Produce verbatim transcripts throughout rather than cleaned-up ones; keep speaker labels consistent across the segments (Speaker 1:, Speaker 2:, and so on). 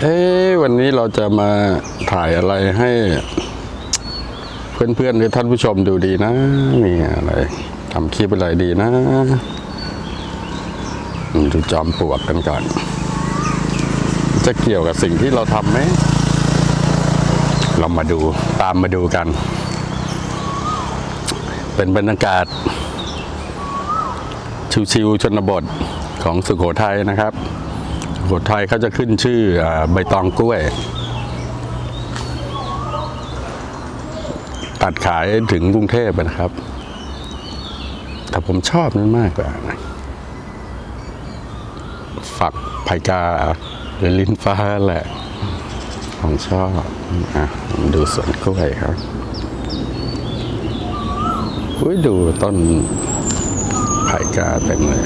Speaker 1: เอ๊ะวันนี้เราจะมาถ่ายอะไรให้เพื่อนๆหรือท่านผู้ชมดูดีนะนี่อะไรทำคลิปอะไรดีนะดูจอมปลวกกันก่อนจะเกี่ยวกับสิ่งที่เราทำไหมเรามาดูตามมาดูกันเป็นบรรยากาศชิวๆชนบทของสุโขทัยนะครับสุโขทัยเขาจะขึ้นชื่อใบตองกล้วยตัดขายถึงกรุงเทพนะครับแต่ผมชอบนั่นมากกว่านะฝักไผ่กาหรือลิ้นฟ้าแหละผมชอบอ่ะดูสวนกล้วยครับอุ้ยดูต้นไผ่กาเต็มเลย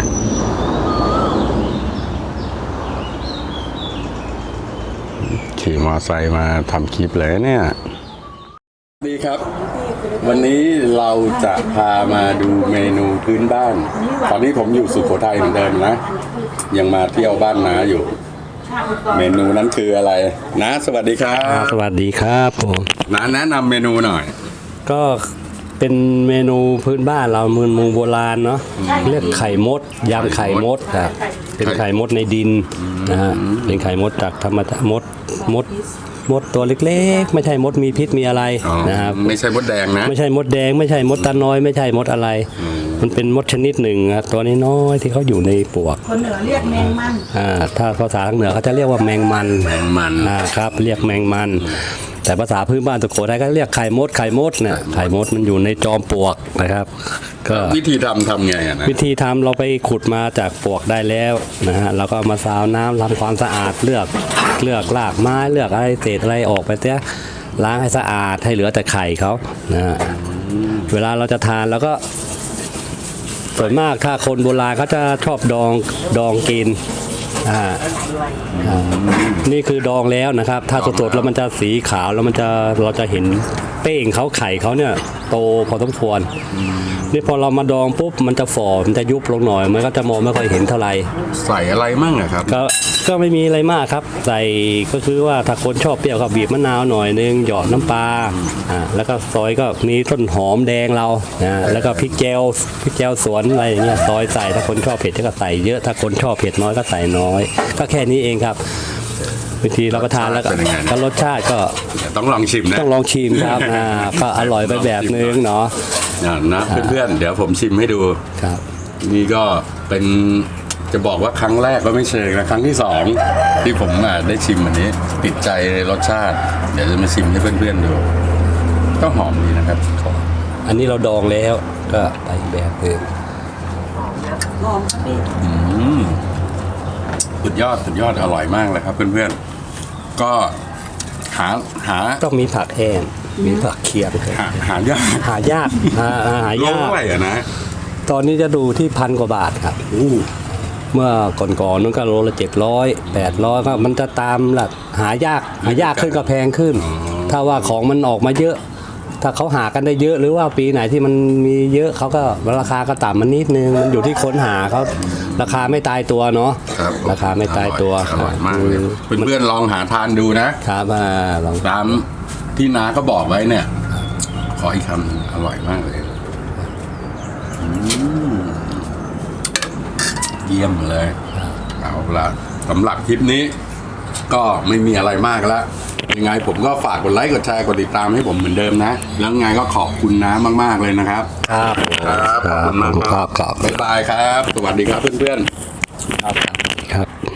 Speaker 1: ขี่มอไซค์มาทำคลิปเลยเนี่ยดีครับวันนี้เราจะพามาดูเมนูพื้นบ้านตอนนี้ผมอยู่สุโขทัยเหมือนเดิมนะยังมาเที่ยวบ้านน้าอยู่เมนูนั้นคืออะไรนะสวัสดีครับ
Speaker 2: สวัสดีครับผม
Speaker 1: น้าแนะนำเมนูหน่อย
Speaker 2: ก็เป็นเมนูพื้นบ้านเราเมืองมุงโบราณเนาะเรียกไข่มดยำไข่มดครับเป็นไข่มดในดินนะฮะเป็นไข่มดจากธรรมชาติมดมดมดตัวเล็กๆไม่ใช่มดมีพิษมีอะไรนะครับ
Speaker 1: ไม่ใช่มดแดงนะ
Speaker 2: ไม่ใช่มดแดงไม่ใช่มดตาน้อยไม่ใช่มดอะไรมันเป็นมดชนิดหนึ่งตัวนี้น้อยที่เขาอยู่ในปวก
Speaker 3: คนเหนือเรียกแมงมัน
Speaker 2: อ่าถ้าภาษาทางเหนือเขาจะเรียกว่าแมงมัน
Speaker 1: แมงมัน
Speaker 2: อ่าครับเรียกแมงมันแต่ภาษาพื้นบ้านสุโขทัยก็เรียกไข่มดไข่มดเนี่ยไข่มดมันอยู่ในจอมปลวกนะครับ
Speaker 1: ก็วิธีทำทำไงนะ
Speaker 2: วิธีทำเราไปขุดมาจากปลวกได้แล้วนะฮะเราก็มาซาวน้ำทำความสะอาดเลือกเลือกรากไม้เลือกอะไรเศษอะไรออกไปเสียล้างให้สะอาดให้เหลือแต่ไข่เขานะฮะเวลาเราจะทานแล้วก็ส่วนมากถ้าคนโบราณเขาจะชอบดองดองกินอ่านี่คือดองแล้วนะครับถ้าสดๆแล้วมันจะสีขาวแล้วมันจะเราจะเห็นเป้งเขาไข่เขาเนี่ยโตพอสมควรนี่พอเรามาดองปุ๊บมันจะฝ่อมันจะยุบลงหน่อยมันก็จะมองไม่ค่อยเห็นเท่าไหร่
Speaker 1: ใส่อะไรมั่งอะครับ
Speaker 2: ก็ก็ไม่มีอะไรมากครับใส่ก็คือว่าถ้าคนชอบเปรี้ยวก็บีบมะนาวหน่อยนึงหยอดน้ำปลาอ่าแล้วก็ซอยก็มีต้นหอมแดงเรานะแล้วก็พริกแจวพริกแจวสวนอะไรอย่างเงี้ยซอยใส่ถ้าคนชอบเผ็ดก็ใส่เยอะถ้าคนชอบเผ็ดน้อยก็ใส่น้อยก็แค่นี้เองครับวิธีเราก็ทานแล้วก็รสชาติก็
Speaker 1: ต้องลองชิมนะ
Speaker 2: ต้องลองชิมครับอ่าก็อร่อยไปแบบนึงเนาะ
Speaker 1: นะเพื่อนๆเดี๋ยวผมชิมให้ดู
Speaker 2: ครับ
Speaker 1: นี่ก็เป็นจะบอกว่าครั้งแรกก็ไม่เชิงนะครั้งที่สองที่ผมได้ชิมอันนี้ติดใจในรสชาติเดี๋ยวจะมาชิมให้เพื่อนๆดูก็หอมดีนะครับ
Speaker 2: อันนี้เราดองแล้วก็ไปแบบนึง
Speaker 1: สุดยอดสุดยอดอร่อยมากเลยครับเพื่อนๆก็หาหา
Speaker 2: ต้องมีผักแห้งมีผักเคียง
Speaker 1: หาหายาก
Speaker 2: หายากหาหายาก
Speaker 1: เท่าไหร่อะนะ
Speaker 2: ตอนนี้จะดูที่พันกว่าบาทครับเมื่อก่อนๆนู้นก็โลละเจ็ดร้อยแปดร้อยก็มันจะตามหลักหายากหายากขึ้นก็แพงขึ้นถ้าว่าของมันออกมาเยอะถ้าเขาหากันได้เยอะหรือว่าปีไหนที่มันมีเยอะเขาก็ราคาก็ต่ำมันนิดนึงมันอยู่ที่คนหาเขาราคาไม่ตายตัวเนาะราคาไม่ตายตัว
Speaker 1: อร่อยมากเลยเพื่อนๆลองหาทานดูนะครับ
Speaker 2: ลอง
Speaker 1: ตามที่น้าก็บอกไว้เนี่ยขออีกคำอร่อยมากเลยเยี่ยมเลยเอาละสำหรับคลิปนี้ก็ไม่มีอะไรมากแล้วยังไงผมก็ฝากกดไลค์กดแชร์กดติดตามให้ผมเหมือนเดิมนะแล้วไงก็ขอบคุณน้ามากๆเลยนะครับ
Speaker 2: ครับ
Speaker 1: ครับขอบคุณมากครับบ๊ายบายครับสวัสดีครับเพื่อนๆ
Speaker 2: ครับครับ